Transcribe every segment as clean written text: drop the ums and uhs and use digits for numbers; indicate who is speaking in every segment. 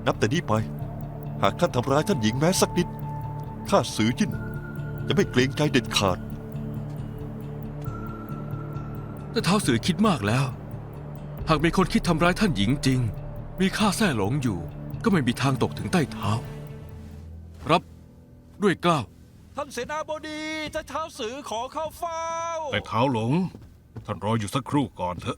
Speaker 1: นับแต่นี้ไปหากท่านทำร้ายท่านหญิงแม้สักนิดข้าสือจิ้นจะไม่เกรงใจเด็ดขาด
Speaker 2: แต่ท้าวสือคิดมากแล้ว หากมีคนคิดทำร้ายท่านหญิงจริงมีข้าแท้หลงอยู่ก็ไม่มีทางตกถึงใต้เท้ารับด้วยเกล้า
Speaker 1: ท่านเสนาบดีท่านท้าวสือขอเข้าเฝ้า
Speaker 3: แต่เท้าหลงท่านรออยู่สักครู่ก่อนเถอะ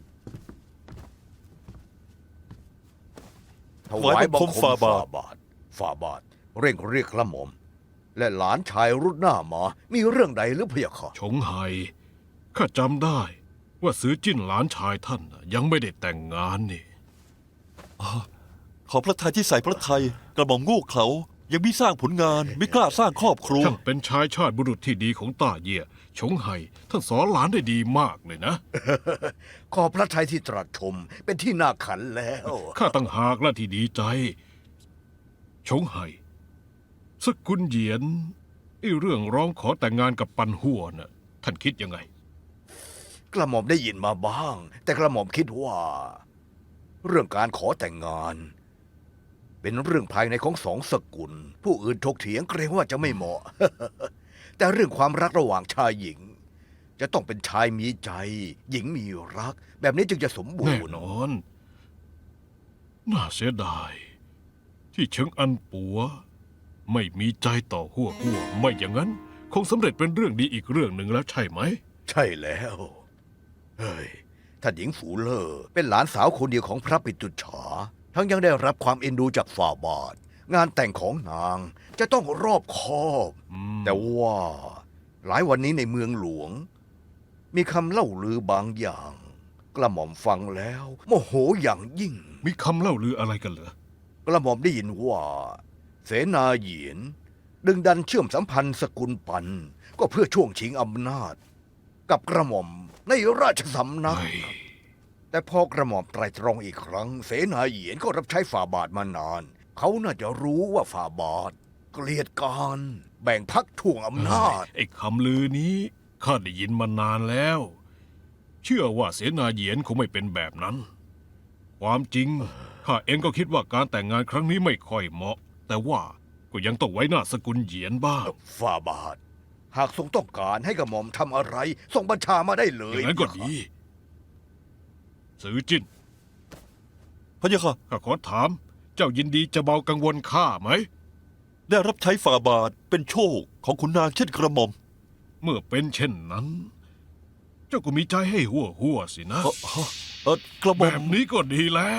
Speaker 4: ถวายบังคมฝ่าบาทเร่งเรียกกระหม่อมและหลานชายรุดหน้ามามีเรื่องใดหรือพะยะค่ะ
Speaker 3: ชงไห่ข้าจำได้ว่าซื้อจิ้นหลานชายท่านยังไม่ได้แต่งงานนี่
Speaker 1: ขอพระทัยที่ใส่พระทัยกระหม่อมโง่เขลายังไม่สร้างผลงานไม่กล้าสร้างครอบครัว
Speaker 3: ท่านเป็นชายชาติบุรุษที่ดีของต้าเย่ยชงไห่ท่านสอนหลานได้ดีมากเลยนะ
Speaker 4: ขอพระทัยที่ตรัสชมเป็นที่น่าขันแล้ว
Speaker 3: ข้าตั้งหากและที่ดีใจ ชงไห่สกุลเหยียนไอ้เรื่องร้องขอแต่งงานกับปันหัวน่ะท่านคิดยังไง
Speaker 4: กระหม่อมได้ยินมาบ้าง แต่กระหม่อมคิดว่า เรื่องการขอแต่งงาน เป็นเรื่องภายในของสองสกุล ผู้อื่นถกเถียงเกรงว่าจะไม่เหมาะ แต่เรื่องความรักระหว่างชายหญิง จะต้องเป็นชายมีใจ หญิงมีรัก แบบนี้จึงจะสมบู
Speaker 3: แน่
Speaker 4: รณ์
Speaker 3: นอน น่าเสียดาย ที่เฉิงอันปัว ไม่มีใจต่อหัวไม่อย่างนั้น คงสำเร็จเป็นเรื่องดีอีกเรื่องหนึ่งแล้วใช่ไหม
Speaker 4: ใช่แล้วเฮ้ยท่านหญิงฝูเลอเป็นหลานสาวคนเดียวของพระปิตุฉา ทั้งยังได้รับความเอ็นดูจากฝ่าบาท งานแต่งของนางจะต้องรอบคอบ แต่ว่าหลายวันนี้ในเมืองหลวง มีคำเล่าลือบางอย่าง กระหม่อมฟังแล้วโมโหอย่างยิ่ง
Speaker 3: มีคำเล่าลืออะไรกันเหรอ
Speaker 4: กระหม่อมได้ยินว่า เสนาเหยียน ดึงดันเชื่อมสัมพันธ์สกุลปัน ก็เพื่อช่วงชิงอำนาจ กับกระหม่อมในราชสำนัก
Speaker 3: เฮ้ย
Speaker 4: แต่พอกระหม่อมไตรตรองอีกครั้ง เสนาเหยียนก็รับใช้ฝ่าบาทมานาน เขาน่าจะรู้ว่าฝ่าบาท เกลียดการแบ่งพักถ่วงอำนาจ
Speaker 3: ไอ้คำลือนี้ข้าได้ยินมานานแล้ว เชื่อว่าเสนาเหยียนคงไม่เป็นแบบนั้น ความจริงข้าเองก็คิดว่าการแต่งงานครั้งนี้ไม่ค่อยเหมาะ แต่ว่าก็ยังต้องไว้หน้าสกุลเหยียนบ้าง
Speaker 4: ฝ่าบาท หากทรงต้องการให้กระหม่อมทำอะไรส่งบัญชามาได้เล
Speaker 3: อย ย่างนั้นก็ดีสือจิ้น
Speaker 1: พระยะค่ะ
Speaker 3: ข้าขอถาม เจ้ายินดีจะเบากังวลข้าไหม
Speaker 1: ได้รับใช้ฝ่าบาทเป็นโชคของขุนนางเช่นกระหม่อม
Speaker 3: เมื่อเป็นเช่นนั้น เจ้าก็มีใจให้หัวสินะ
Speaker 1: กระห
Speaker 3: แบ
Speaker 1: ม่อม
Speaker 3: บนี้ก็ดีแล้ว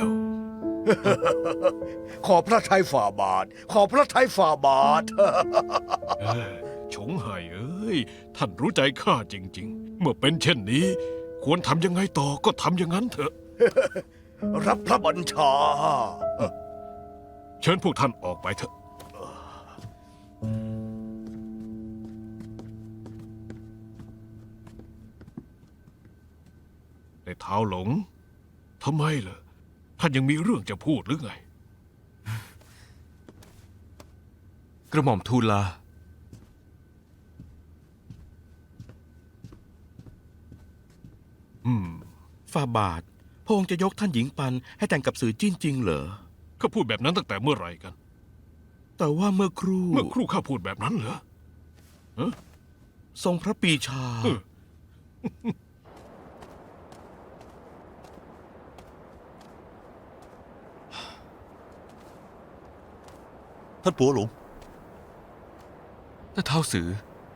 Speaker 4: ขอพระทัยฝ่าบาท ขอพระทัยฝ่าบาท
Speaker 3: ชงไห่เอ้ย ท่านรู้ใจข้าจริง ๆ เมื่อเป็นเช่นนี้ ควรทำยังไงต่อก็ทำอย่างนั้นเถอะ
Speaker 4: รับพระบัญชา
Speaker 3: เชิญพวกท่านออกไปเถอะ ในเท้าหลง ทำไมล่ะ ท่านยังมีเรื่องจะพูดหรือไง
Speaker 2: กระหม่อมทูลลา
Speaker 5: ฝ่าบาทพระองค์จะยกท่านหญิงปันให้แต่งกับสือจิ้นจริงเหรอ
Speaker 3: ข้าพูดแบบนั้นตั้งแต่เมื่อไหร่กัน
Speaker 5: แต่ว่าเมื่อครู่
Speaker 3: เมื่อครู่ข้าพูดแบบนั้นเหรอ
Speaker 5: ทรงพระปรีชา
Speaker 3: เออ
Speaker 1: ท่านปัวหลง
Speaker 2: แต่ท้าวสือ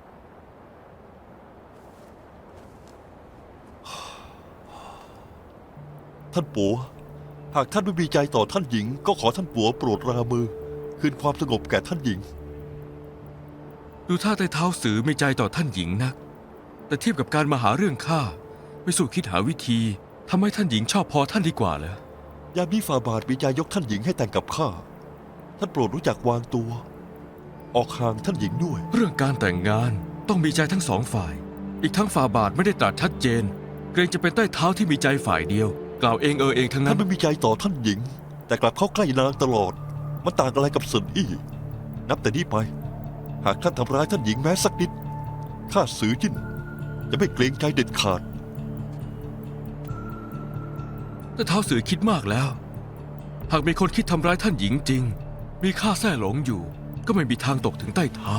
Speaker 1: ท่านปัวหากท่านไม่มีใจต่อท่านหญิง ก็ขอท่านปัวโปรดรามือ คืนความสงบแก่ท่านหญิง
Speaker 2: ดูท่าแต่ท้าวสือไม่ใจต่อท่านหญิงนัก แต่เทียบกับการมาหาเรื่องข้าไม่สู้คิดหาวิธีทำให้ท่านหญิงชอบพอท่านดีกว่าเหรอ
Speaker 1: ยามนี้ฝ่าบาทมีใจยกท่านหญิงให้แต่งกับข้า ท่านโปรดรู้จักวางตัว ออกห่างท่านหญิงด้วย
Speaker 2: เรื่องการแต่งงานต้องมีใจทั้งสองฝ่าย อีกทั้งฝ่าบาทไม่ได้ตรัสชัดเจน เกรงจะเป็นใต้เท้าที่มีใจฝ่ายเดียว กล่าวเองเองทั้งนั้
Speaker 1: ท่าน
Speaker 2: น
Speaker 1: ไม่มีใจต่อท่านหญิง แต่กลับเข้าใกล้นางตลอดมันต่างอะไรกับสินอี้นับแต่นี้ไป หากท่านทำร้ายท่านหญิงแม้สักนิดข้าสือจิ้นจะไม่เกรงใจเด็ดขาด
Speaker 2: แต่ท้าวสือคิดมากแล้วหากมีคนคิดทำร้ายท่านหญิงจริง มีข้าแท้หลงอยู่ ก็ไม่มีทางตกถึงใต้เท้า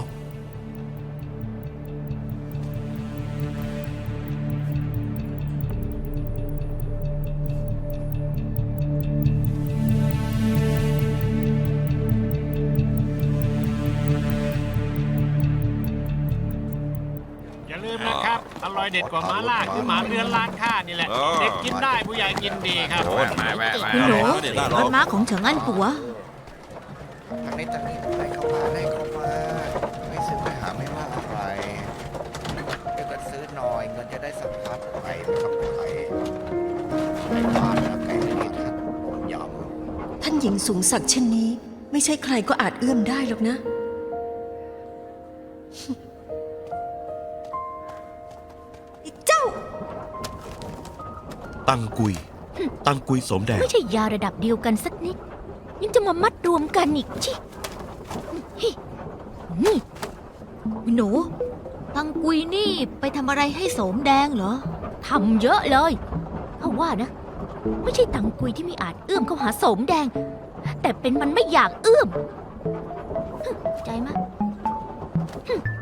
Speaker 6: อย่าลืมนะครับ อร่อยเด็ดกว่าหมาล่าคือหมาเรือนร้านข้านี่แหละ เด็กกินได้ผู้ใหญ่กินดีครับ
Speaker 7: คุณหนูรถม้าของเฉิงอันปัว
Speaker 4: ทางนี้ให้เข้ามาไม่ซื้อไปหาไม่ว่าอะไรเดี๋ยวก็ซื้อหน่อยเงินจะได้สะพัดไปนะครับไปไม่บาทนะไก่ที่ท่านต้มยำ
Speaker 8: ท่านหญิงสูงศักดิ์เช่นนี้ ไม่ใช่ใครก็อาจเอื้อมได้หรอกนะ เจ้า
Speaker 5: ตั้งกุยสมแดง
Speaker 7: ไม่ใช่ยาระดับเดียวกันสักนิด ยังจะมามัดรวมกันอีกชินี่หนู ตังกุยนี่ไปทำอะไรให้โสมแดงเหรอทำเยอะเลยเพราะว่านะ ไม่ใช่ตังกุยที่ไม่อาจเอื้อมเข้าหาโสมแดง แต่เป็นมันไม่อยากเอื้อมใจมะ